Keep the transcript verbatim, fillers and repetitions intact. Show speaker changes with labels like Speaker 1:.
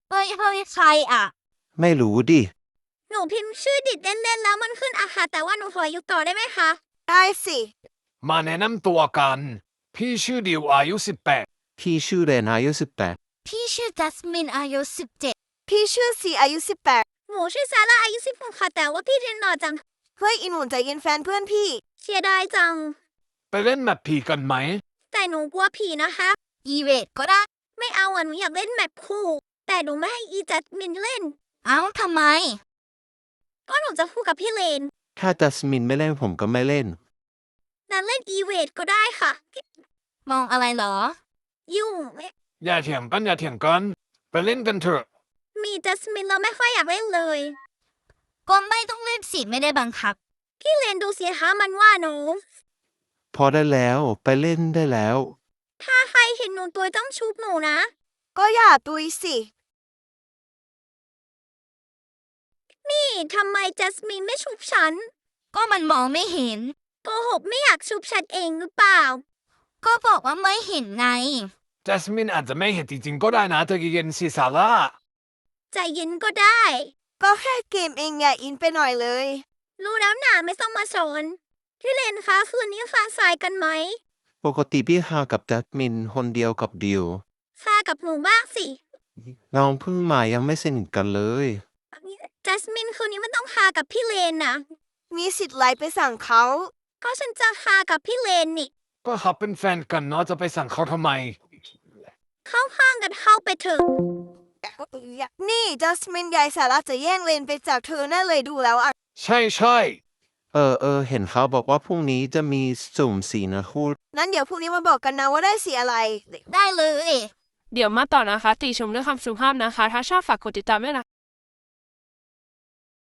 Speaker 1: เฮ้ยเฮ้ยใครอ่ะ
Speaker 2: ไม่รู้ดิ
Speaker 3: หนูพิมพ์ชื่อดิดเล่นๆแล้วมันขึ้นอะค่ะแต่ว่าหนูขออยู่ต่อได้ไหมคะ
Speaker 4: ได้สิ
Speaker 5: มาแนะนำตัวกัน พี่ชื่อดิวอายุสิบแปด
Speaker 2: พี่ชื่อเรนอายุสิบแปด
Speaker 1: พี่ชื่อจัสมินอายุสิบเจ็ด
Speaker 4: พี่ชื่อซีอายุสิบแปด
Speaker 3: หนูชื่อซาร่าอายุสิบหกค่ะแต่ว่าพี่เรียนหล่อจัง
Speaker 4: เฮ้ยอินหนุนใจเย็นแฟนเพื่อนพี่
Speaker 3: เสียดายจัง
Speaker 5: ไปเล่นแมปผีกันไหม
Speaker 3: แต่หนูกลัวผีนะคะ
Speaker 1: อีเวทก็ได้
Speaker 3: ไม่เอาอ่ะหนูอยากเล่นแมปคู่ แต่หนูไม่ให้อีจัดมินเล่น
Speaker 1: เอ้าทำไม
Speaker 3: ก็หนูจะคู่กับพี่เลน
Speaker 2: ถ้าจัสมินไม่เล่นผมก็ไม่เล่น
Speaker 3: นั้นเล่นอีเวทก็ได้ค่ะ
Speaker 1: มองอะไรเหรอ
Speaker 3: ยุ่ง
Speaker 5: อย่าเถียงกันอย่าเถียงกัน ไปเล่นกันเถอะ
Speaker 3: มีจัสมินเราไม่ค่อยอยากเล่นเลย
Speaker 1: ก็ไม่ต้องเล่นสิไม่ได้บังคับ
Speaker 3: พี่เลนดูสิคะมันว่าหนู
Speaker 2: พอได้แล้วไปเล่นได้แล้ว
Speaker 3: ถ้าใครเห็นหนูตัวต้องชุบหนูนะ
Speaker 4: ก็อย่าตุยสิ
Speaker 3: นี่ทำไมจัสมินไม่ชุบฉัน
Speaker 1: ก็มันมองไม่เห็น
Speaker 3: โกหกไม่อยากชุบฉันเองหรือเปล่า
Speaker 1: ก็บอกว่าไม่เห็นไง
Speaker 5: จัสมินอาจจะไม่เห็นจริงๆก็ได้นะเธอเย็นสิซาร่า
Speaker 3: ใจเย็นก็ได้
Speaker 4: ก็แค่เกมเองอย่าอินไปหน่อยเลย
Speaker 3: รู้แล้วหนาไม่ต้องมาสอนพี่เลนคะคืนนี้ฟ้าสายกันไหม
Speaker 2: ปกติพี่ฮากับจัสมินคนเดียวกับดิว
Speaker 3: ฟ้ากับหนูบ้างสิ
Speaker 2: เราเพิ่งมายังไม่สนิทกันเลย
Speaker 3: จัสมินคืนนี้มันต้องคากับพี่เลนนะ
Speaker 4: มีสิทธิ์ไลน์ไปสั่งเขา
Speaker 3: ก็ฉันจะคากับพี่เลนนี่
Speaker 5: ก็เขาเป็นแฟนกันเนาะจะไปสั่งเขาทำไม
Speaker 3: เข้าข้างกันเข้าไปเถอะ
Speaker 4: นี่จัสมินยายสาระจะแย่งเลนไปจากเธอแน่เลยดูแล้วอ่ะ
Speaker 5: ใช่ใช่
Speaker 2: เออเออเห็นเขาบอกว่าพรุ่งนี้จะมีสุ่มสีนะคู่
Speaker 4: นั้นเดี๋ยวพรุ่งนี้มาบอกกันนะว่าได้สีอะไร
Speaker 1: ได้เลย
Speaker 6: เดี๋ยวมาต่อนะคะ ติชมด้วยคำสุภาพนะคะ ถ้าชอบฝากกดติดตามด้วยนะ